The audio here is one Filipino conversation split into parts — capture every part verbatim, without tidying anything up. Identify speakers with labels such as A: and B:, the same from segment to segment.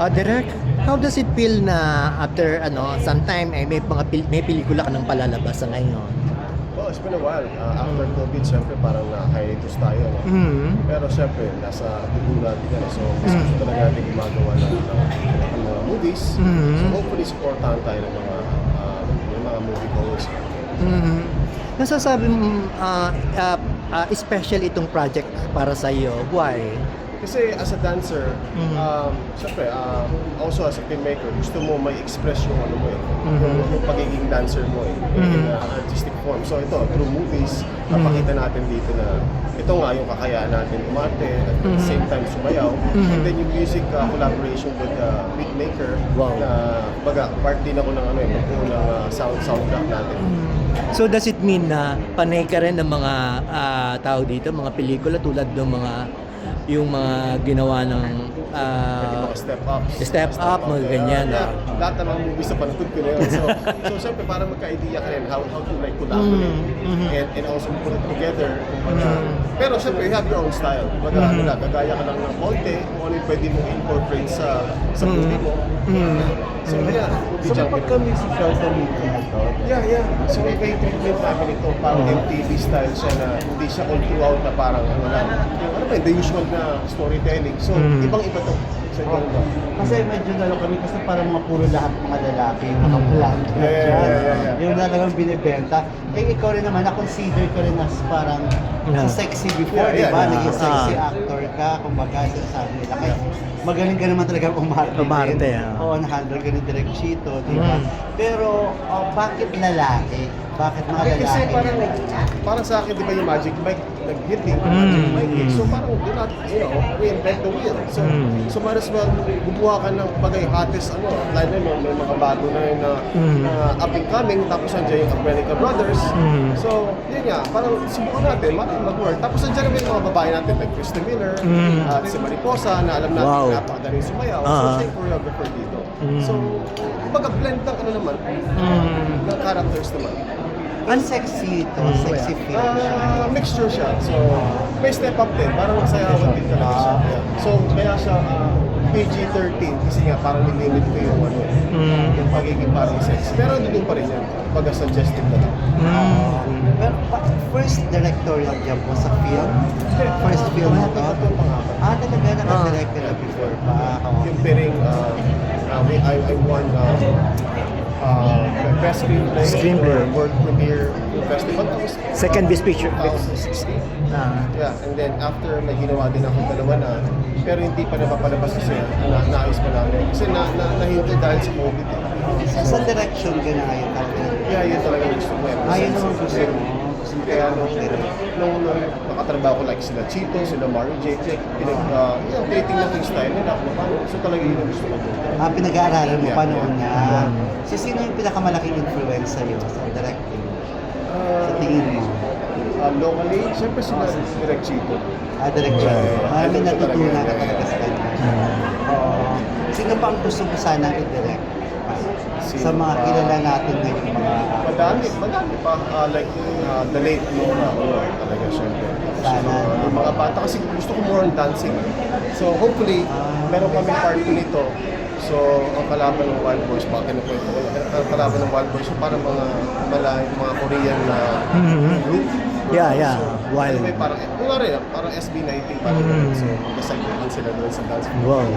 A: Uh, Direk, how does it feel na after ano, sometime eh, may mga pil- may pelikula ka nang palalabas sa ngayon?
B: Well, it's been a while. Uh, after COVID, syempre parang na-hiatus tayo. No?
A: Mm-hmm.
B: Pero syempre, nasa dugo natin yan. So, mas gusto talaga natin gumagawa ng, ng, ng mga movies.
A: Mhm.
B: So, hopefully, supportahan tayo ng mga, uh, ng mga movie goers.
A: Mm-hmm. Nasasabi mo, uh, uh, uh, special itong project para sa iyo. Why?
B: Kasi as a dancer,
A: Mhm.
B: um, syempre, uh, also as a filmmaker, gusto mo may express yung ano mo eh,
A: Mhm.
B: yung, yung pagiging dancer mo eh, in
A: Mhm.
B: uh, artistic form. So ito, through movies, napakita natin dito na ito nga yung kakayaan natin umarte, at the
A: Mhm.
B: same time sumayaw,
A: Mhm.
B: and then yung music uh, collaboration with the uh, beatmaker,
A: Wow.
B: na baga, part din ako ng ano eh, magbuo ng uh, sound soundtrack natin.
A: So does it mean na panay ka rin ng mga ah, tao dito, mga pelikula tulad ng mga yung mga ginawa ng ah,
B: Yung mga step ups.
A: Step Up, mga
B: yeah,
A: ganyan,
B: Yeah,
A: ah.
B: lahat ng mga movies sa panood ko na yun. So, so syempre, para magka-idea ka rin how, how to like collaborate
A: Mhm, mhm.
B: and, and also put it together. Kumbaga.
A: Mhm.
B: Pero syempre, you have your own style. Kumbaga,
A: Mhm.
B: ano lang, gagaya ka lang ng konti kung ano yung pwede mong incorporate sa sa
A: Mhm.
B: movie mo.
A: Mhm.
B: So, yeah.
C: So kapag ka musical committee na to,
B: Yeah, yeah. So, iba yung treatment namin ito. Parang
A: Mhm.
B: M T V style siya na hindi siya all throughout na parang ano lang. Yung ano ba, yun, the usual na storytelling. So,
A: Mhm.
B: ibang-iba to. So,
C: oh,
B: ganun ba?
C: kasi medyo lalo kami kasi parang mga puro lahat mga lalaki yung nakapalaan
B: Yeah, yeah, yeah, yeah, yeah.
C: yung talagang binibenta. Eh ikaw rin naman, na-consider ka rin as parang
A: Yeah.
C: sa sexy before,
B: Yeah, yeah,
C: di ba?
B: yeah.
C: Naging sexy
A: Ah.
C: actor ka, kumbaga sinasabi nila. Kaya magaling ka naman talaga umarte.
A: Umarte,
C: din.
A: ah.
C: Oo, na-handle ka ni Direk Chito, di ba?
A: Mm.
C: Pero oh, bakit lalaki? Bakit mga
B: Okay,
C: lalaki?
B: kasi parang, parang sa akin, di ba yung Magic Mike, nag-hit din,
A: Mm.
B: Magic Mike eh. So parang, do not, you know, reinvent the wheel. So,
A: Mm.
B: so might as well, gumawa ka ng bagay hottest, ano, lalo na may mga bago na yun na,
A: Mm.
B: na up and coming, tapos nandiyan yung America Brothers.
A: Mm.
B: So, yun nga, parang subukan natin, maraming mag-work. Tapos nandiyan naman yung mga babae natin, like Kristen Miller,
A: Mm.
B: at si Mariposa, na alam natin
A: Wow.
B: na napakadaling sumayaw. So,
A: Ah.
B: siya yung choreographer dito.
A: Mm.
B: So, kumbaga blend ng ano naman,
A: Mm.
B: ng characters naman.
C: Ang sexy ito,
A: Mm.
C: sexy film siya.
B: Ah, mixture siya. So, may step up din. Parang masayawan din talaga siya.
C: Ah.
B: Yeah. So, kaya siya ah, P G thirteen kasi nga parang nilimit ko yung ano,
A: Mm.
B: yung pagiging parang sex. Pero doon pa rin yan. Pag suggestive na lang.
A: Mm.
C: Pero pa- first directorial job mo sa film? First film na to?
B: Ito pang apat.
C: Ah, talaga naka-direct ka na before pa. Oo.
B: Yung piring, uh, uh, we, I, I won uh, uh, Best Screenplay,
A: Screenplay.
B: for World Premiere Festival. That was
A: Second Best Picture.
B: twenty sixteen.
A: Ah.
B: Yeah, and then after may ginawa din ako dalawa na, pero hindi pa napapalabas kasi na, naayos pa namin. Kasi na, na, nahinto dahil sa COVID. Eh.
C: So, sa direction ka na ngayon talaga.
B: Kaya yun talaga gusto ko. Eh.
C: Ah, yun naman gusto mo.
B: Kaya nung, nung, nung nakatrabaho ko like sila Chito, sila Mario J, pinag, uh, yun, tinitingnan ko yung style nila. Kung paano, so talaga yun ang gusto ko.
C: Ah, pinag-aaralan mo
B: Yeah,
C: pa noon
B: yeah.
C: na. So, sino yung pinakamalaking influence sa'yo sa directing? Sa tingin mo?
B: Uh, locally, syempre sila Direk Chito.
C: Ah, direction.
B: Yeah,
C: Ah, may
B: ito
C: natutunan
B: talaga,
C: ka
B: yeah,
C: talaga
B: yeah.
C: sa kanya. Oo. Sino pa ang gusto mo sanang i-direct?
B: Sino
C: Sa mga
B: pa?
C: kilala natin ngayon mga
B: Madami, madami pa. Uh, like, uh, the late Nora, uh, talaga syempre. Tapos
C: Sana,
B: yung mga,
C: no?
B: yung mga bata, kasi gusto ko more on dancing. So hopefully, meron kami part two nito. So, ang kalaban ng Wild Boys, baka kinukwento ko, ang kalaban ng Wild Boys, so parang mga malayo, mga Korean na
A: Mhm.
B: group.
A: Yeah, yeah.
B: So,
A: Wild.
B: anyway, parang, wala rin, parang S B nineteen parang
A: Mhm.
B: So, magkasagyan sila doon sa dance.
A: Wow.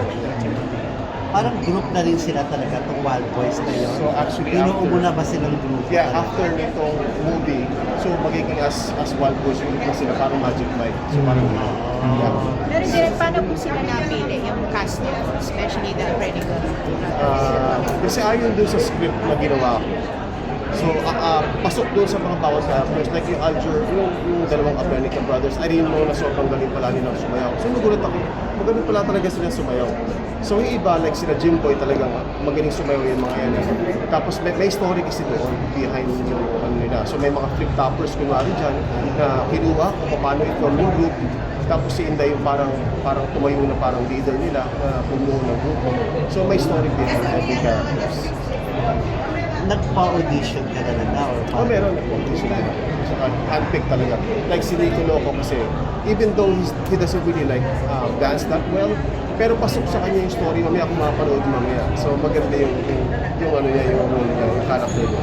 C: parang group na rin sila talaga itong Wild Boys na yun.
B: So, actually,
C: Binuo
B: after-
C: mo na ba silang group?
B: Yeah,
C: talaga?
B: after nitong movie, so magiging as as Wild Boys, ulit na sila parang Magic Mike. So parang, yeah.
D: Pero direct, paano po sila napili yung cast nila, especially the American
B: Ah, kasi ayon dun sa script na ginawa ko. So, ah, ah, pasok doon sa mga bawat actors, like yung Alger, yung, yung dalawang American Brothers, I didn't know na sobrang galing pala nilang sumayaw. So, nagulat ako, magaling pala talaga sila sumayaw. So, yung iba, like sila Jimboy talagang magaling sumayaw yung mga yan. Tapos, may, may story kasi doon behind yung ano nila. So, may mga flip-toppers kunwari dyan na kinuha kung paano i-form yung group. Tapos si Inday yung parang parang tumayo na parang leader nila na bumuo ng grupo. So may story behind every characters.
C: Nagpa-audition ka na na or
B: Oh, meron na audition nila. Saka handpick talaga. Like si Nico Loco kasi, even though he's, he doesn't really like uh, dance that well, pero pasok sa kanya yung story, mamaya kung mapanood mamaya. So maganda yung, yung, yung ano niya, yung role niya, yung character niya.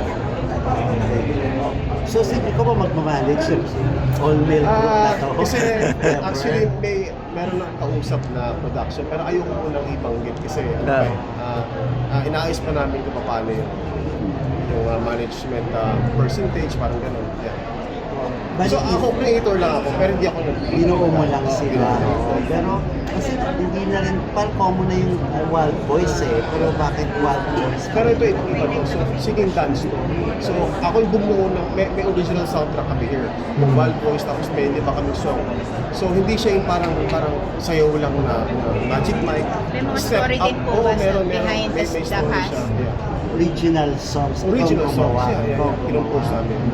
C: So, sige ko ba magmamanage yung all-male group na
B: Ah,
C: to?
B: kasi actually may meron na kausap na production pero ayoko munang ibanggit kasi ano
A: Ah.
B: pa eh, ah, ah, inaayos pa namin kung paano yung, yung ah, management ah, percentage, parang gano'n. Yeah.
C: Bali,
B: So ako creator lang ako pero hindi ako nag
C: binuo mo lang
B: Oo,
C: sila.
B: binuo.
C: Oo. Pero kasi hindi na rin, parang common na yung uh, Wild Boys eh. Pero bakit Wild Boys?
B: Pero ito, ito iba to. So, singing dance to. So, ako yung bumuo ng, may, may original soundtrack kami here. Yung Wild Boys, tapos may hindi pa kami song. So, hindi siya yung parang, parang sayaw lang na, na magic mic.
D: May mga
B: Step
D: story
B: up.
D: din po
B: Oo,
D: ba sa
B: meron, meron.
D: behind
B: May,
D: the-
B: may
D: the
B: story
D: cast?
B: siya. Yeah.
C: Original songs. ikaw
B: Original songs,
C: gumawa.
B: yeah, yeah,
C: Ikaw
B: yeah. Kinumpose
C: gumawa.
B: namin.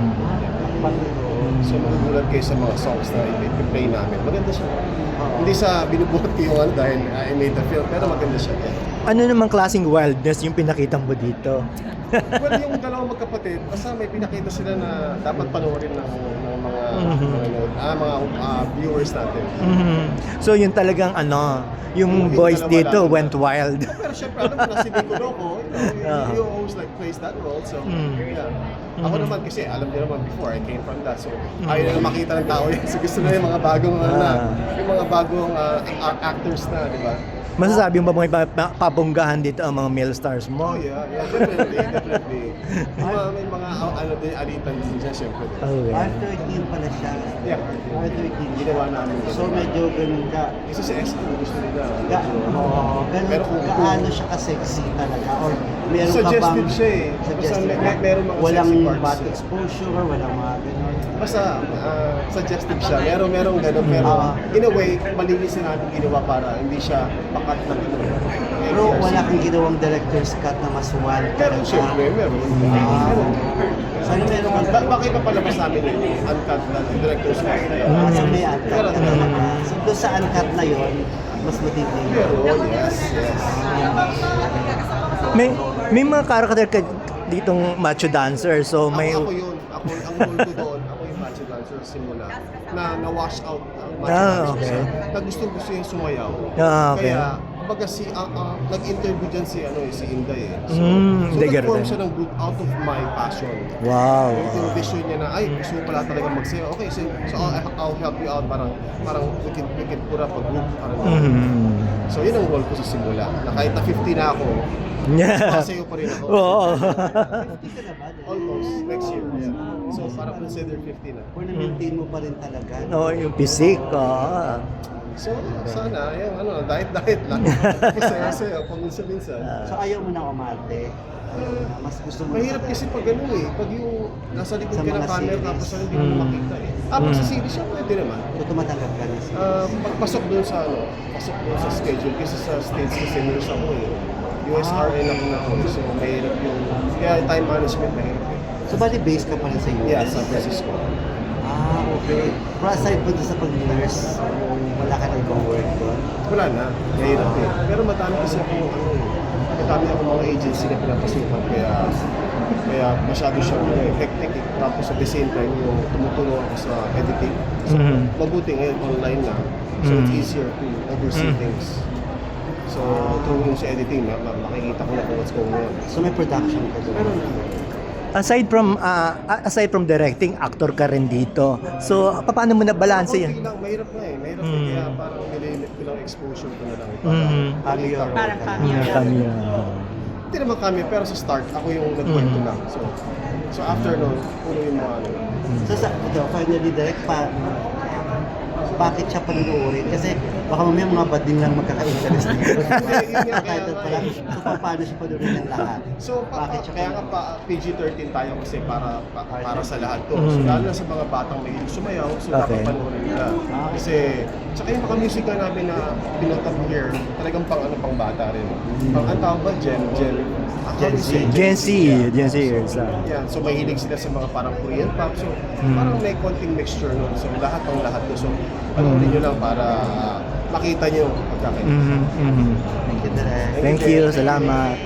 C: Pag-
B: So, magugulat kayo sa mga songs na i-play namin. Maganda siya. Hindi sa binubuhat ko yung ano dahil uh, I made the film, pero maganda siya. Yeah.
A: Ano namang klaseng wildness yung pinakita mo dito?
B: Well, yung dalawang magkapatid, basta may pinakita sila na dapat panoorin ng, ng mga
A: Mhm.
B: manonood, ah, mga ah, viewers natin.
A: Mhm. So yun talagang ano, yung
B: Yung
A: boys
B: dalawa
A: dito
B: lang.
A: went wild.
B: Pero syempre, alam mo na si Nico Loco, you know,
A: Ah.
B: you, you always like plays that role. So,
A: Mm.
B: yeah. Ako
A: Mhm.
B: naman kasi, alam niyo naman before, I came from that. So, ayaw na makita ng tao yan. So, gusto na yung mga bagong, ano na,
A: Ah.
B: yung mga bagong ah, a- actors na, di ba?
A: Masasabi mo ba may pa- pa- pabonggahan dito ang mga male stars mo?
B: Oh, yeah, yeah, definitely, definitely. May mga, may mga ah, ano din, alitan din siya, syempre.
A: Okay.
C: R thirteen pala siya.
B: Yeah,
C: R thirteen.
B: ginawa namin.
C: So medyo ganun ka.
B: Isa sa S M gusto nila.
C: Ga,
B: medyo-
C: oo, ganun,
B: Pero kung-
C: gaano siya ka-sexy talaga? Or meron ka
B: Suggestive
C: bang...
B: siya eh. Basta
C: Suggestive
B: may-
C: ka?
B: may- meron mga
C: Walang
B: sexy parts.
C: bad exposure, walang mga ganun.
B: Basta ah, suggestive siya. Meron, meron gano'n. Pero
C: Ah.
B: in a way, malinis na natin ginawa para hindi siya pakat na ano.
C: Pero wala kang ginawang director's cut na mas wild.
B: Pero siyempre, meron.
C: Ah.
B: Meron.
C: Sana meron
B: Ba-
C: kang...
B: bakit pa palabas namin yun? Uncut na director's cut.
C: Ah, so may uncut
B: Meron.
C: ka talaga. So doon sa uncut na yon mas matindi.
B: Meron, yes, yes.
A: May may mga karakter ka ditong macho dancer. So may
B: Ako, ako yun. Ako, ang role ko doon, ako yung macho dancer sa simula. Na na-wash out ang macho
A: Ah,
B: dancer
A: okay.
B: siya. Na gusto gusto yung sumayaw.
A: Ah, okay.
B: Kaya, kumbaga si, ah, ah, nag-interview dyan si, ano, eh, si Inday eh. So,
A: Mm,
B: so
A: Inday
B: nag-form
A: Garden.
B: siya ng group out of my passion.
A: wow.
B: Yung vision niya na, ay, gusto mo pala talaga magsayaw. Okay, so, so I'll, I'll help you out. Parang, parang we can, we can put up a group. Parang,
A: Mhm.
B: So, yun ang role ko sa simula. Na kahit na fifty na ako,
A: Yeah.
B: sumasayaw pa rin ako.
A: Oo.
C: Hindi ka na ba?
B: Almost, next year. Yeah. So, parang consider fifty na.
C: Or na-maintain mo pa rin talaga.
A: No, yung physique. oo.
B: So, sana, yung ano, diet-diet lang. Masaya-saya, paminsan-minsan.
C: So ayaw mo na umarte. Mas gusto mo
B: Mahirap kasi pag ano eh, pag yung nasa likod
C: Sa
B: ka ng
C: mga
B: camera
C: series.
B: tapos ano, hindi mo
A: Mm.
B: makita eh. Ah, pag
A: Mm.
B: sa series siya, pwede naman.
C: So tumatanggap ka na siya.
B: Ah, pagpasok doon sa ano, pasok doon sa schedule kasi sa States kasi nurse ako eh. U S R N ako na ako, so mahirap yung, kaya time management mahirap eh.
C: So bali base ka pa rin sa U S?
B: Yeah, San Francisco.
C: Ah, okay. Pero aside po doon sa pag-nurse, wala ka na ibang work doon?
B: Wala na, mahirap eh. Pero madami kasi ako, ano eh, madami ako mga agency na pinapasukan, kaya kaya masyado siyang ano, eh, hectic eh. Tapos at the same time, yung tumutulong ako sa editing. So,
A: Mhm.
B: mabuti ngayon online na, so it's
A: Mhm.
B: easier to oversee
A: Mhm.
B: things. So, through yung sa editing, ma- ma- makikita ko na kung what's going on.
C: So may production ka doon?
B: Meron na.
A: Aside from ah, aside from directing, actor ka rin dito. So paano mo na balance
B: Konti
A: yan?
B: lang, mahirap na eh. Mahirap eh,
A: Mm.
B: kaya parang nilimit ko lang exposure ko na lang.
A: Mhm.
B: makita ko.
D: Parang cameo.
A: Yeah, kami.
B: Hindi naman kami, pero sa start, ako yung nagkwento
A: Mm.
B: lang. So, so after nun, puro yung mga ano.
C: So sa, ito, finally direct pa, bakit siya panunuorin? Kasi baka mamaya mga bading lang magkaka-interest dito.
B: Yun nga, kaya
C: Title pa
B: nga
C: lang.
B: eh.
C: So pa- paano siya panunuorin ng lahat?
B: So, pa,
C: Bakit
B: pa,
C: siya
B: kaya nga pa P G thirteen tayo kasi para pa, para sa lahat to. So,
A: Mm.
B: lalo na sa mga batang may sumayaw, so
A: Okay.
B: dapat panoorin nila. Kasi, tsaka yung mga music na namin na pinutot up here, talagang pang ano, pang bata rin. Pang, ang tawag ba? Gen, Gen, ah,
C: Gen
B: how do you say?
C: Z.
A: Gen Z,
B: Yeah.
A: Gen Z years. ah.
B: Yeah, so mahilig sila sa mga parang Korean pop. So,
A: Mm.
B: parang may konting mixture nun. So, lahat ng lahat to. So, panoorin nyo lang para ah, makita nyo pagkakaiba.
A: Mhm, mhm.
C: Thank you, Direk.
A: Thank you, salamat.